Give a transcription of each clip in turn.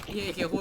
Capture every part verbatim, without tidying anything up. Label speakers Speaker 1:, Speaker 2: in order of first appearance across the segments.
Speaker 1: เฮ้ยเคโค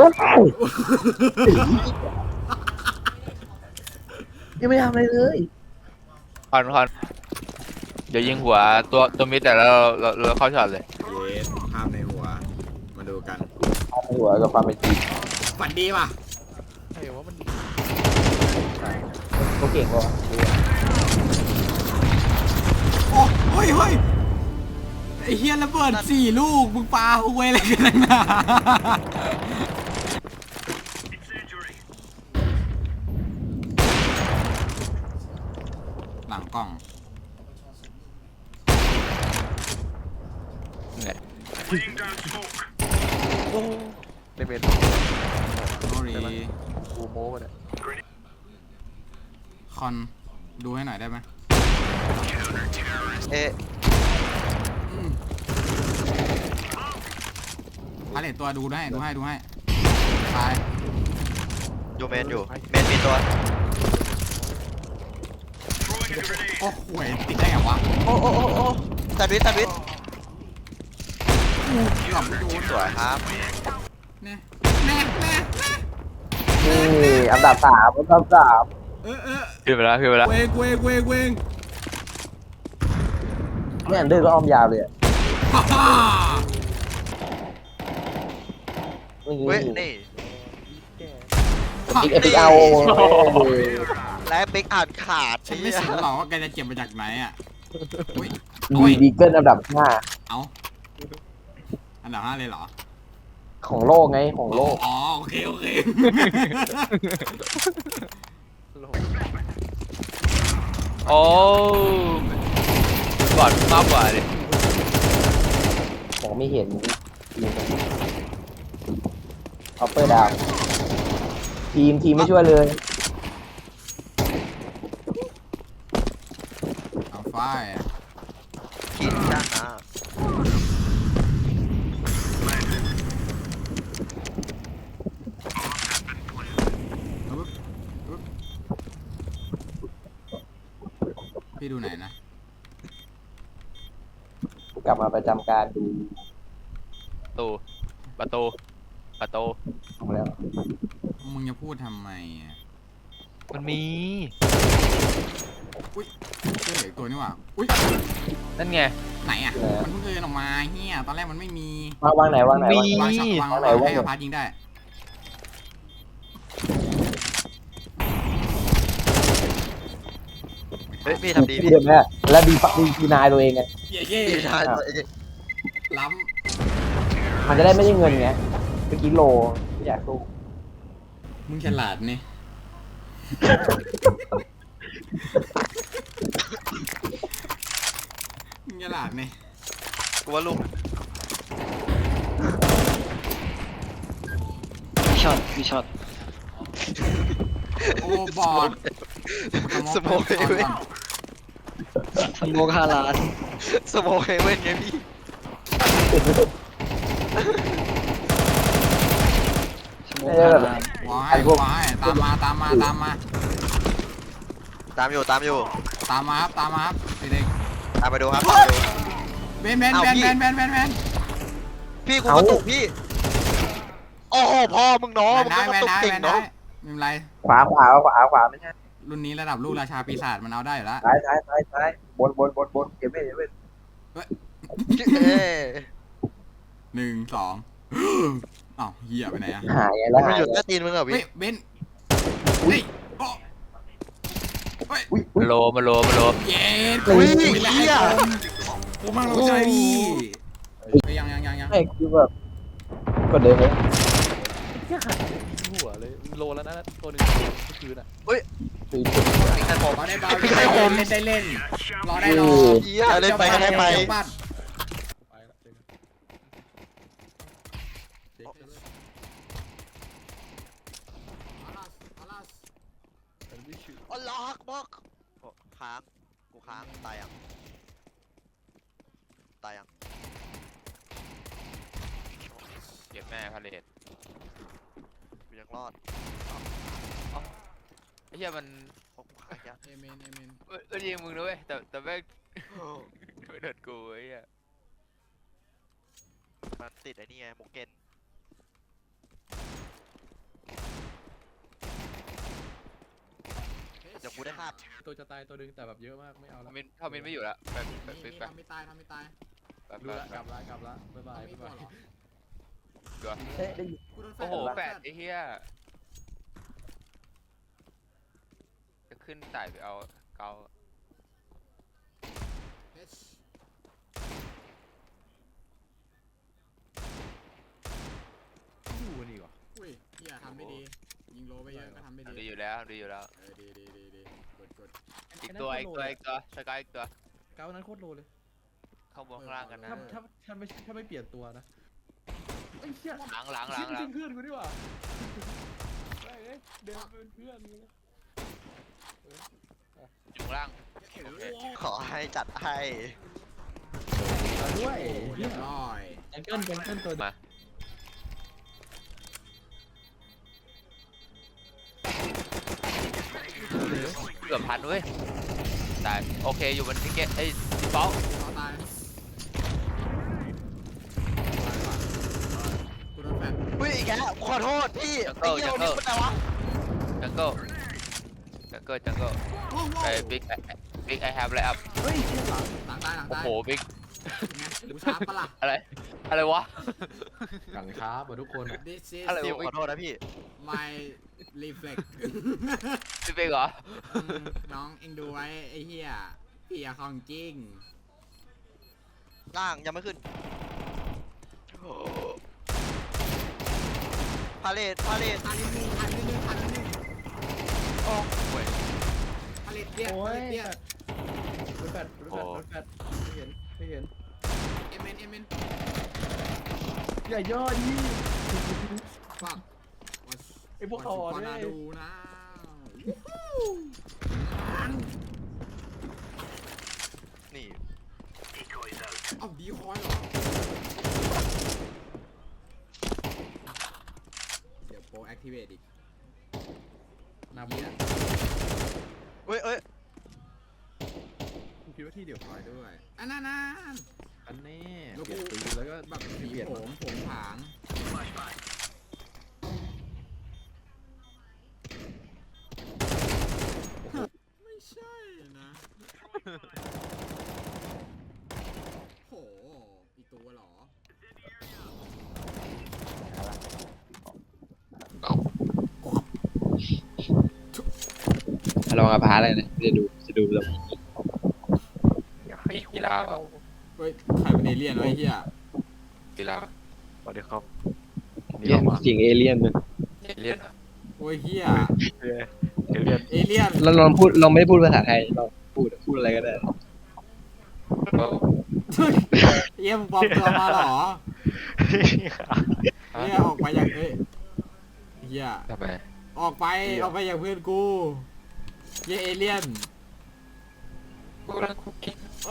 Speaker 2: ยังไม่ทำอะไรเลย
Speaker 3: คอนคอนเดี๋ยวยิงหัวตัวตัวมิดแต่แล้วเราเราเข้าช็อตเลย
Speaker 1: เย็ดภาพในหัวมาดูกัน
Speaker 2: หัวกับความเป็นจริง
Speaker 1: ฝันดีป่ะ
Speaker 3: ใช่ว่ามัน
Speaker 2: เขาเก่งกว่า
Speaker 1: โอ้เฮ้ยเฮ้ยไอ้เฮียระเบิดสี่ลูกมึงปาหวยอะไรกันนะหลังกล้อง
Speaker 3: ไง
Speaker 4: โอ้ในเมน
Speaker 1: โอ้ย
Speaker 4: กูโม้มาเนี่ย
Speaker 1: คอนดูให้หน่อยได้ไหม
Speaker 4: เอ๊ะ
Speaker 1: อืมพาเลตตัวดูให้ดูให้ดูให้ตาย
Speaker 4: อยู่เมนอยู่เมนมีตัว
Speaker 1: โอ้หวยติดได้ไงวะ
Speaker 4: โอ้โอ้โอ้โอ้แซนด์วิชแซนด์วิช
Speaker 1: หลับไม่โดน
Speaker 4: สวยครับ
Speaker 1: แน่แน่แน่แน่
Speaker 2: นี่อันดับสามอันดับสาม
Speaker 1: เออเออ
Speaker 3: ขึ้นไปแล้วขึ้นไปแล้ว
Speaker 1: เวงเวงเวงเวง
Speaker 2: เนี่ยอันเดอร์ก็อ้อมยาวเลยอะ
Speaker 1: ฮ่าฮ่า
Speaker 2: นี่
Speaker 4: เว้ยนี่
Speaker 2: อีกเอพิเอา
Speaker 4: และบิ๊กอ่านขาด
Speaker 1: ฉันไม่สนหรอกว่าแกจะเจ็บมาจากไหนอ่ะอุ้ย
Speaker 2: ดีดีเกิลอันดับห้า
Speaker 1: เอาอันดับห้าเลยเหรอ
Speaker 2: ของโลกไงของโลก
Speaker 1: อ๋อโอเคโอเค
Speaker 3: โอ้ก่อนมากกว่าดิ
Speaker 2: ของไม่เห็นออปเปอร์ดาวทีมทีมไม่ช่วยเลย
Speaker 1: เอาไฟ
Speaker 4: กินด้านหน้า
Speaker 1: พี่ดูไหนนะ
Speaker 2: กลับมาประจำการดู
Speaker 3: ประตูประตูประตู
Speaker 2: ของแล้ว
Speaker 1: มึงจะพูดทำไมอ่ะ
Speaker 3: มันมี
Speaker 1: อุ้ยเจอเหลืออกตัวนี่หว่าอุ้ย
Speaker 3: นั่นไง
Speaker 1: ไหนอ่ะมันเพิ่งเดินออกมาเฮียตอนแรกมันไม่มี
Speaker 2: วางวางไหนวางไหนวางไหน
Speaker 1: วางช็อตวาง
Speaker 2: วางไหน
Speaker 1: วาง
Speaker 2: วาง
Speaker 1: ให้
Speaker 2: ไหน
Speaker 1: อพาร์ตยิงได้
Speaker 4: เฮ้ยพี่ทำดี
Speaker 2: พี่
Speaker 4: พี่
Speaker 2: เดิมเนี่ยแล้วดีดีดีนายตัวเองไง
Speaker 1: เย่เย่
Speaker 4: พี่ทายตัวเอง
Speaker 1: ล้
Speaker 2: มันจะได้ไม่ได้เงินไงเมื่อกี้โลไม่อยากสู้
Speaker 1: ำมึงฉลาดนี่มึงฉลาดนี่
Speaker 4: กูว่าลูก
Speaker 5: มีช็อตมีช็อต
Speaker 1: โอ้บอด
Speaker 4: สโมกเฮเว่น
Speaker 5: สโมกห้าล้าน
Speaker 4: สโมกเฮเว่นไงพี่
Speaker 5: สโมกห้าล้าน
Speaker 1: วายวายตามมาตามมาตามมา
Speaker 4: ตามอยู่ตามอยู่
Speaker 1: ตามมาครับตามมาครับเด็ก
Speaker 4: ตามไปดูครับตามไปดู
Speaker 1: ๆเบนเบน
Speaker 4: เอา
Speaker 1: เบน
Speaker 4: พี่
Speaker 1: เบนเบนเบนเบน
Speaker 4: พี่กูกระตุกพี่ โอ้โหพ่อมึงเนาะมึง
Speaker 1: ได้
Speaker 4: ก็ก
Speaker 1: แม
Speaker 4: ระ
Speaker 1: น
Speaker 4: ตุก
Speaker 1: ได้
Speaker 4: เก่ง
Speaker 1: แมนได้
Speaker 4: เนาะ
Speaker 1: ไม่เป็นไร
Speaker 2: ขวาขวาขวาขวาไม่ใช่
Speaker 1: รุ่นนี้ระดับลูกราชาปีศาจมันเอาได้อยู่แล้ว
Speaker 2: ซ้ายซ้ายซ้ายซ้ายบนบนบนบนเก็บไว้เก็บไว้
Speaker 4: เอ้ย
Speaker 1: หนึ่งสองอ้าวเหี้ยไปไหนอะ
Speaker 2: หายไงแล้ว
Speaker 4: มัน
Speaker 2: หาย
Speaker 4: หยุดแค่ตีนมึงเหรอ
Speaker 1: เฮ้ย
Speaker 4: พี่
Speaker 1: เบนเฮ้ยโอ้เฮ้ย
Speaker 2: อุ้ย
Speaker 3: มันโลมันโลมันโล
Speaker 1: เย็ด
Speaker 4: อุ้ย
Speaker 1: คุยแล้ว
Speaker 4: เหี้ย
Speaker 1: กูมั่งเราใจพี่เฮ้ยยังยังยังยัง
Speaker 2: ไม่คือแบบกดเดินเลย
Speaker 4: หัวเลยโลแล้วนะตัวนึงเมื่อคืนอ่ะ
Speaker 2: คือ
Speaker 4: มีใครบอก
Speaker 1: รอได้เบา
Speaker 4: มีใครผม
Speaker 1: เล่นได้เล่นรอได้รอ
Speaker 4: เหี้ยเล่นไปก็ได้ไป
Speaker 1: เจ้าบ้านอาลัส
Speaker 4: อ๋อล็อกบล็อกโอ้ค้างกูค้างตายยังตายยัง
Speaker 3: เก็บแม่พาเลท
Speaker 4: กูยังรอด
Speaker 3: ไอ้เหี้ยมัน
Speaker 4: โอ้กูค้างยัง
Speaker 1: เอเมนเอเมน
Speaker 3: เอ้ยเอ้ยยิงมึงด้วยแต่แต่แม่งไม่โดนกูไอ้เหี้ย
Speaker 4: มันติดไอ้นี่ไงหมูเกนเดี๋ยวกูได้ภาพ
Speaker 6: ตัวจะตายตัวหนึงแต่แบบเยอะมากไม่เอา
Speaker 3: ท
Speaker 6: ละ
Speaker 3: มินทมินไม่อยู่แล้วแบบแบบ
Speaker 1: นี่
Speaker 3: แบบ
Speaker 1: นี่ทำไม่ตายทำไม่ตาย
Speaker 3: แบบ
Speaker 6: รู้ละ
Speaker 3: แบ
Speaker 6: กลับบ ละกลับละบ๊ายบาย
Speaker 1: ทำไม่
Speaker 6: บ๊าย
Speaker 1: ตัว
Speaker 6: บาย
Speaker 1: เหรอ
Speaker 2: เอ๊ะได้ยิน
Speaker 1: กูโดนแฟ
Speaker 3: โอ้
Speaker 1: น
Speaker 3: โห
Speaker 1: โดน
Speaker 3: แป
Speaker 1: ฟ
Speaker 3: ดไอ้เหี้ยจะขึ้นไต่ไปเอาเกา
Speaker 1: เอช
Speaker 6: อยู่นี่วะ
Speaker 1: อุ้ยเฮียทำไม่ดี ยิงโลไปเยอะก็ทำไม่
Speaker 3: ดี
Speaker 1: ดี
Speaker 3: อยู่แล้วดีอยู่แล้ว
Speaker 1: เออดีดีดีดีกดกด
Speaker 3: อีกตัวอีกตัวอีกตัวสกายอีกตัว
Speaker 6: เก้านั้นโคตรโลเลย
Speaker 3: เข้าบนข้างล่างกันนะ
Speaker 6: ถ้าถ้าถ้าไม่ถ้าไม่เปลี่ยนตัวนะไอ้เหี้ย
Speaker 3: หลังหลังหลั
Speaker 6: ชิ
Speaker 3: ง
Speaker 6: บ
Speaker 3: หลั
Speaker 6: จริ
Speaker 3: ง
Speaker 6: งเพื่อนกูดีกว่าไม่เอ้ยเดินเป็นเพื่อนกูเลย
Speaker 3: อยู่ข้างล่างโอเค
Speaker 4: ขอให้จัดให้
Speaker 6: มาด้วย
Speaker 1: โอ้เรียบร้อย
Speaker 6: แองเกิลแองเกิลตัว
Speaker 3: มาเกือบพันเว้ยตายโอเคอยู่บนทิกเก็ตไอ้ดิฟอล
Speaker 1: ต่อตายกูโดนแฟน
Speaker 4: อุ้ยอีกแล้วขอโทษพี่ไอ้เหี้ยนี่มันอะไรวะ
Speaker 3: จังเกิลจังเกิลจังเกิล
Speaker 1: โอ้โห
Speaker 3: ไอ้บิ๊กบิ๊กไอแฮปไลอัพ
Speaker 6: เฮ้ยเชี่ยหลัง
Speaker 1: หลังตายหลัง
Speaker 3: โอ้
Speaker 1: ตาย
Speaker 3: โหบิ๊ก
Speaker 1: ไงกูชาร์จปะล่ะ
Speaker 3: อะไรอะไรวะ
Speaker 6: หลังช้าเหมือนทุกคนอะ
Speaker 1: This is
Speaker 3: อะไร
Speaker 4: พี่
Speaker 3: วะ
Speaker 4: ขอโทษนะพี่
Speaker 1: my reflex
Speaker 3: พี่บิ๊กเหรอ
Speaker 1: อืมน้องเอ็งดูไว้ไอ้เหี้ยพี่อะของจริง
Speaker 4: ล่างยังไม่ขึ้นพาเลทพาเลท
Speaker 1: ทันนิดนึงทันนิดนึงทันนิดนึง
Speaker 3: โอ้โห
Speaker 1: ผลิตเตี้ย
Speaker 6: โอ้
Speaker 1: ผ
Speaker 6: ย
Speaker 1: ลิตเตี้ย
Speaker 6: รถแฟดรถแฟดรถแฟดไม่เห็นไม่เห็น
Speaker 1: เอ็มเอ็นเอ็มเอ็น
Speaker 6: อย่าย่อดิ
Speaker 1: ฟัก
Speaker 6: ไอ้พวกเขาอ่ะ
Speaker 1: ก่อน
Speaker 6: เนี่
Speaker 1: นะ
Speaker 6: ย
Speaker 1: ดูนะ
Speaker 4: นี่
Speaker 1: เอ้าดีคอยเหรอเดี๋ยวโปรแอคทีเวตอีก
Speaker 6: นาบีนะ
Speaker 4: เอ้ยเอ้ย
Speaker 6: กูคิดว่าที่เดียว
Speaker 1: คอยด้วยอันนั้นนั่น
Speaker 6: อันแน่
Speaker 1: แล้ว
Speaker 6: เปลี่ยน
Speaker 1: กู
Speaker 6: ปืนแล้วก็
Speaker 1: แบบสี
Speaker 6: เปลี่ยน
Speaker 1: ผมผมผางไม่ใช่นะโหอีกตัวเหรอ
Speaker 5: ลองกับพาอะไรนะจะดูจะดูแล้ว
Speaker 3: กีฬา
Speaker 1: เฮ้ยใครเป็นเอเลี่ยนวะไอ้เหี้ย
Speaker 3: กีฬา
Speaker 5: สวัสดีครับเสียงเอเลี่ยนเลย
Speaker 3: เรียน
Speaker 1: โอ้ยเหี้ย
Speaker 5: เอเลี่ยน
Speaker 1: เอเลี่ยน
Speaker 5: เราลองพูดเราไม่ได้พูดภาษาไทยเราพูดพูดอะไรก็ได้
Speaker 1: เหี้ยมึงปลอมตัวมาเหรอเหี้ยออกไปอย่างเอ้ยเหี้ย
Speaker 3: ทำไม
Speaker 1: ออกไปออกไปอย่างเพื่อนกูเหี้ยเอเลี่ยน
Speaker 3: กูรักคุกกี้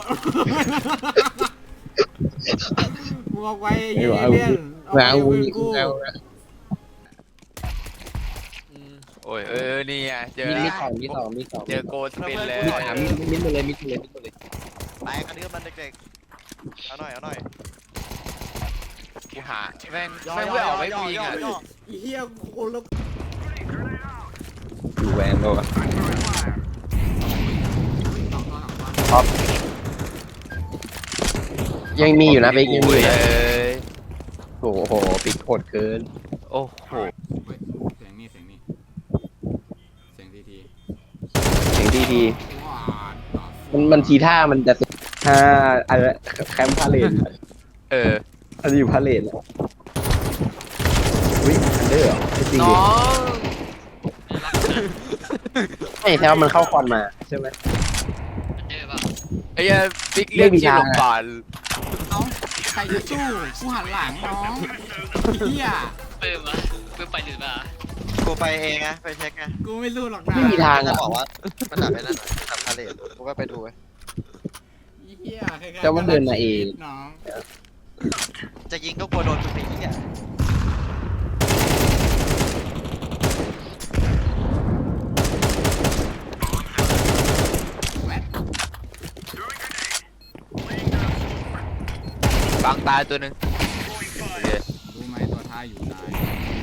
Speaker 1: มึงออกไปเหี้ยเอเลี่ยนออกไปอย่างเพื่อนกูอืม
Speaker 3: โอ้ยเออนี่ไงเจอ
Speaker 5: มี
Speaker 3: แล้
Speaker 5: มี
Speaker 3: ว
Speaker 5: สองมีสองมีสอง
Speaker 3: เจอโกสปินเลย
Speaker 5: มีสามมีมิดหมดเลยมิดหมดเลยมิดหมดเลย
Speaker 4: แตกกันเดือมันเด็กๆเอาหน่อยเอาหน่อย
Speaker 3: กูหาแม่งแม่งไม่ออกไม่ปีงอ่ะ
Speaker 4: ย่อ
Speaker 1: ไอ้เหี้ยโคนละ
Speaker 5: ดูแวนโลอะ
Speaker 1: ต่อต่อต่อ
Speaker 5: ท็อปยังมีอยู่นะเบกยังมีอยู่
Speaker 3: เล
Speaker 5: นะ
Speaker 3: ย
Speaker 5: โอ้โหปิดโหดเกิน
Speaker 3: โอ้โห
Speaker 1: เฮ้ยเสียงนี่เสียงนี่เสียงทีที
Speaker 5: เสียงดีดี
Speaker 1: ว้า
Speaker 5: มันมันทีท่ามันจะท่าอะไรแคมป์พาเลท
Speaker 3: เออ
Speaker 5: อันนี้อยู่พาเลทแล้วอุ้ยอันเดอร์เหรอไม่จริง
Speaker 3: น้
Speaker 5: ดิ
Speaker 3: อง
Speaker 5: ไม่แท้ว่ามันเข้าคอนมาใช่ไหม
Speaker 3: ไอ้เหี้ยบิ๊กเรียกชื่อหลบก่อน
Speaker 1: น้องใครจะสู้กูหันหลังน้องเหี้ย
Speaker 7: เปิดมาเปิดไปหรือเปล่า
Speaker 4: กูไปเองไงไปเช็คไง
Speaker 1: กูไม่สู้หรอกนะ
Speaker 5: ไม่มีทาง
Speaker 4: จะ
Speaker 5: อ่ะ
Speaker 4: บอกว่ามันดับไปนั่นดับพาเลทกูก็ไปดูไว้
Speaker 1: เหี้ยใครๆ
Speaker 5: แต่ว่าเดินมาเอง
Speaker 1: น้อง
Speaker 4: จะยิงก็กลัวโดนจุดนี้อ่ะ
Speaker 1: แวด
Speaker 3: บางตายตัวหนึ่งโอเค
Speaker 1: รู้ไหมตัวท้ายอยู่ตาย